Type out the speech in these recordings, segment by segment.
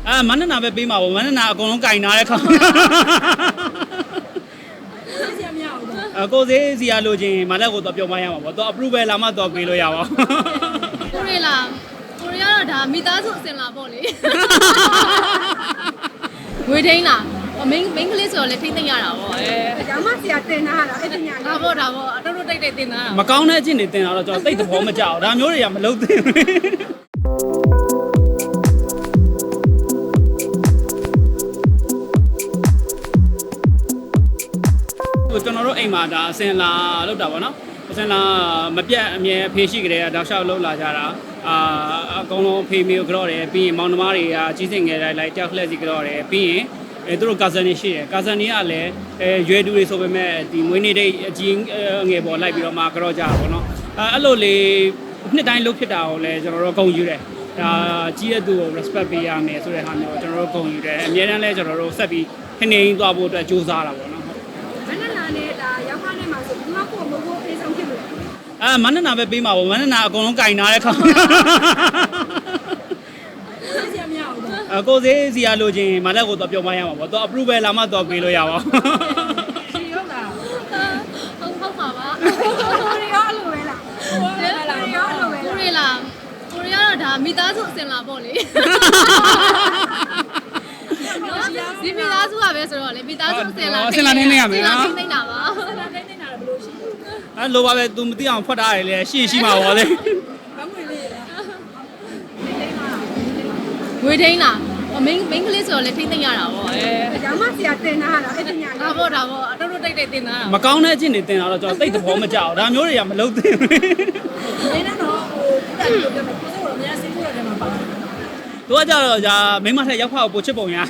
မန္တနာပဲပေးမှာပေါ့မန္တနာအကုန်လုံးကင်ထားတဲ့ခေါင်းကိုစေးစီရလို့ချင်းမလက်ကိုတော့ပြောမရမှာပေါ့တော့ approval လာမှတော့ပေးလို့ရပါဘူးကိုရီလာကိုရီကတော့ဒါမိသားစုအစင်လာပေါ့လေဝေထိန်လားမင်းကလေးဆိုတော့လေထိမ့်သိမ့်ရတာပေါ့ရောင်းမစီကတင်ထားတာအဲ့ဒီညာဒါပေါ့အတော်တော်တိတ်တင်သားတာမကောင်းတဲ့အချင်းတွေတင်တာတော့ကျွန်တော်သိတဲ့ဘောမကြောက်ဒါမျိုးတွေကမလုပ်သင့်ဘူးကျွန်တော်တို့အိမ်မှာဒါအစင်လာလောက်တာပေါ့နော်အစင်လာမပြတ်အမြဲဖေးရှိကြတဲ့တောက်လျှောက်လောက်လာကြတာအကုန်လုံးဖေးမျိုးကြော့တယ်ပြီးရင်မောင်နှမတွေကကြီးစင်ငယ်လိုက်တယောက်လှည့်စီကြော့တယ်ပြီးရင်သူတို့ကာဇန်တွေရှိတယ်ကာဇန်တွေကလည်းရွယ်တူတွေဆိုပေမဲ့ဒီမွေးနေ့တိတ်အကြီးငယ်ပေါ်လိုက်ပြီးတော့မှကြော့ကြတာပေါ့နော်အဲ့လိုလေနှစ်တိုင်းလုပ်ဖြစ်တာကိုလည်းကျွန်တော်တို့ဂုဏ်ယူတယ်ဒါကြီးတဲ့သူကို respect ပေးရမယ်ဆိုတဲ့ဟာမျိုးကျွန်တော်တို့ဂုဏ်ယူတယ်အများတန်းလဲကျွန်တော်တို့ဆက်ပြီးခင်းနေသွားဖို့အတွက်ကြိုးစားတာပေါ့နော်မန္တနာနဲ့ဒါရောက်ခါနဲ့မှာဆိုဒီမှာကိုမဖို့အေးဆုံးဖြစ်လို့မန္တနာပဲပေးမှာပေါ့မန္တနာအကုန်လုံးကင်ထားတဲ့ခေါင်းကိုစေးစီရလို့ချင်းမလက်ကိုတော့ပြောမရမှာပေါ့တော့ approval လာမှတော့ပေးလို့ရပါဘူးရှိရောလားဟုတ်ပါပါကိုရီရောလိုပဲလားကိုရီရောလိုပဲကိုရီလာကိုရီကတော့ဒါမိသားစုအစင်လာပေါ့လေဒီမိသားစုကပဲဆိုတော့လေမိသားစုအစင်လာနေနေရမယ်နော်သိနေတာပါသိနေတာဘယ်လိုရှိလိုပါပဲ तू မသိအောင်ဖွက်ထားတယ်လေရှိမှာပေါ့လေမမွေလေးဝေထိန်လားမင်းကလေးဆိုတော့လေထိမ့်သိမ့်ရတာပေါ့ရောင်းမစီကတင်ထားတာအဲ့ဒီညာဒါပေါ့အတော်တော်တိတ်တင်သားတာမကောင်းတဲ့အချင်းတွေတင်တာတော့ကျွန်တော်သိတဲ့ဘောမကြောက်ဒါမျိုးတွေကမလုပ်သင့်ဘူးနေနေတော့ဟိုတက်လို့ပြောမယ်ကိုစိုးတော့အများစိတ်ကူရတယ်မှာပါသူကကြတော့ဂျာမိမထက်ရောက်ဖောက်ပိုချစ်ပုံရ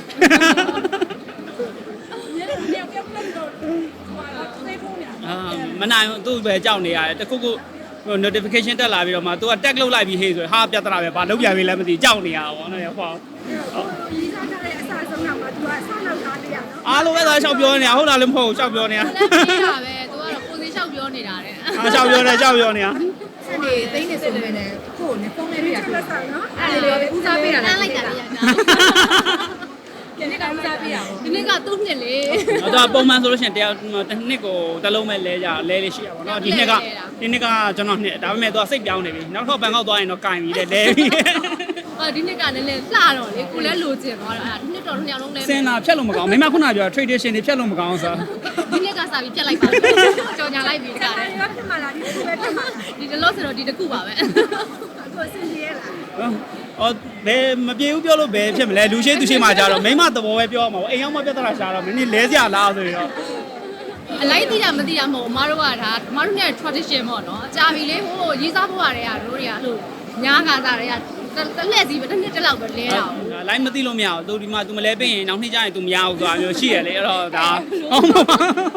မနိုင်သူ့ပဲကြောက်နေရတယ်တခုခု notification တက်လာပြီးတော့မှ तू က tag လုပ်လိုက်ပြီးဟေးဆိုဟာပြဿနာပဲဘာလုပ်ပြန်ပြီလဲမသိကြောက်နေရတာပေါ့နော်ဟောဒီစားထားတဲ့အစားဆုံးတော့ तू ကဆောက်လောက်ထားပြရနော်အားလုံးပဲသာရှောက်ပြောနေတာဟုတ်လားလည်းမဟုတ်ဘူးရှောက်ပြောနေတာလည်းနေတာပဲ तू ကတော့ကိုစီရှောက်ပြောနေတာတဲ့ရှောက်ပြောနေတာစနေသိနေဆိုမယ်နဲ့ကိုနဲ့ဖုန်းနဲ့ပြရတာနော်အဲ့ဒါလေးဦးစားပေးတာလားလိုက်တာလေဒီနေ့ကဦးစားပေးတာပေါ့ဒီနေ့ကသူ့နှစ်လေတော့ပုံမှန်ဆိုလို့ရှိရင်တစ်နှစ်ကိုတစ်လုံးပဲလဲကြလဲလေးရှိရပါတော့ဒီနှစ်ကကျွန်တော်နှစ်ဒါပေမဲ့သူကစိတ်ပြောင်းနေပြီနောက်တော့ဘန်ကောက်သွားရင်တော့ကင်ပြီလဲပြီဒီနှစ်ကလည်းလှတော့လေကိုလည်းလိုချင်သွားတာဒီနှစ်တော့နှစ်ယောက်လုံးလဲစင်လာဖြတ်လို့မကောင်းမိမခုနပြော tradition တွေဖြတ်လို့မကောင်းဆိုဒီနှစ်ကစားပြီးဖြတ်လိုက်ပါကြော်ညာလိုက်ပြီတခါလေရောဖြစ်မှာလားဒီခုပဲဖြစ်မှာဒီတလို့ဆိုတော့ဒီတစ်ခုပါပဲအခုအဆင်ပြေရလားဘယ်မပြေဘူးပြောလို့ဘယ်ဖြစ်မလဲလူရှိသူရှိမှကြတော့မိမသဘောပဲပြောမှာပေါ့အိမ်ရောက်မှပြဿနာရှာတော့မင်းလဲစရာလားဆိုရင်တော့အလိုက်သိတာမသိတာမဟုတ်အမားတို့ကဒါအမားတို့နဲ့ tradition ပေါ့နော်အကြာပြီလေဟိုရေးစားဖို့ရတယ်တို့တွေကအဲ့လိုညားကားစားတွေကတစ်လက်စီပဲတစ်နှစ်တစ်လောက်ပဲလဲတာလိုက်မသိလို့မရဘူးသူဒီမှာ तू မလဲပေးရင်နောက်နှစ်ကျရင် तू မရဘူးဆိုတာမျိုးရှိရလေအဲ့တော့ဒါဟုတ်ပါ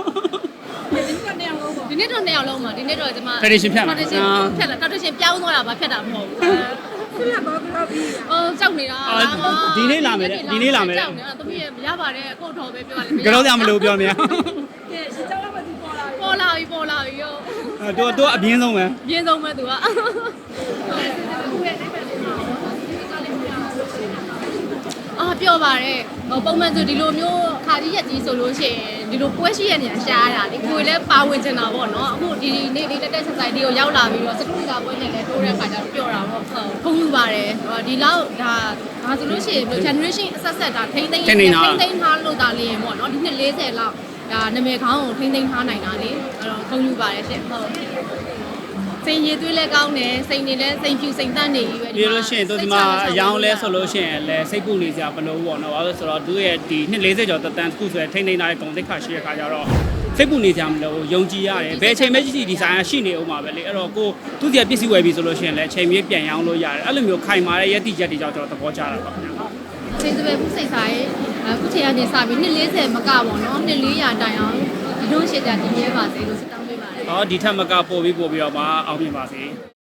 ဒီနေ့တော့နှစ်ယောက်လုံးပါဒီနေ့တော့ကျွန်မ tradition ဖြတ်လာ tradition ပြောင်းသွားတာပါဖြတ်တာမဟုတ်ဘူးခုနကဘောကတော့ပြီးကြောက်နေတာဒီနေ့လာမယ်သမီးရရပါတယ်အကိုတော်ပဲပြောရတယ်ကြောက်ကြမလို့ပြောနေရကဲရှင်းကြောက်တော့မသိပေါ်လာပြီရောသူအပြင်းဆုံးပဲအပြင်းဆုံးပဲသူကပြောပါတယ်ပုံမှန်ဆိုဒီလိုမျိုးခါကြီးရက်ကြီးဆိုလို့ရှိရင်ဒီလိုပွဲရှိရနေရှားရတာလေကိုယ်လည်းပါဝင်ချင်တာပေါ့နော်အခုဒီနေ့လေးတက်ဆက်ဆိုင်ဒီကိုရောက်လာပြီးတော့စတူဒီကပွဲနဲ့လည်းတိုးတဲ့ခါကျတော့ပြောတာပေါ့ဂုဏ်ယူပါတယ်ဒီလောက်ဒါဆိုလို့ရှိရင် generation အဆက်ဆက်ဒါထိမ့်သိမ်းထားလို့ဒါလေးရင်ပေါ့နော်ဒီနှစ်40လောက်ဒါနာမည်ခေါင်းကိုထိမ့်သိမ်းထားနိုင်တာလေအဲ့တော့ဂုဏ်ယူပါတယ်ရှင်ဟုတ်စိန်ရည်သွေးလဲကောင်းတယ်စိန်နေလဲစိန်ဖြူစိန်တန်းနေကြီးပဲပြီးလို့ရှိရင်သူဒီမှာအယောင်လဲဆိုလို့ရှိရင်လဲစိတ်ပူနေကြဘလို့ပေါ့နော်ဘာလို့ဆိုတော့သူရဲ့ဒီနှစ်40ကျော်တက်တန်းတစ်ခုဆိုရင်ထိမ့်သိမ်းထားတဲ့ဂုဏ်သိက္ခာရှိတဲ့ခါကျတော့စိတ်ပူနေကြမလို့ယုံကြည်ရတယ်ဘယ်အချိန်မှဒီဆိုင်ကရှိနေအောင်ပါပဲလေအဲ့တော့ကိုသူ့စီပစ္စည်းဝယ်ပြီဆိုလို့ရှိရင်လဲအချိန်မြေးပြန်ရောင်းလို့ရတယ်အဲ့လိုမျိုးခိုင်မာတဲ့ယက်တိချက်တွေကြောင့်ကျွန်တော်သဘောကျတာပါခင်ဗျာစိတ်သွေးဘူးစိတ်ဆိုင်အခုချိန်ကနေစပြီးနှစ်40မကပေါ့နော်နှစ်400တိုင်အောင်ဒီလိုရှိတာဒီရဲပါစေလို့စတောင်းပေးပါတယ်ဒီထက်မကပို့ပြီးတော့မှအောင်မြင်ပါစေ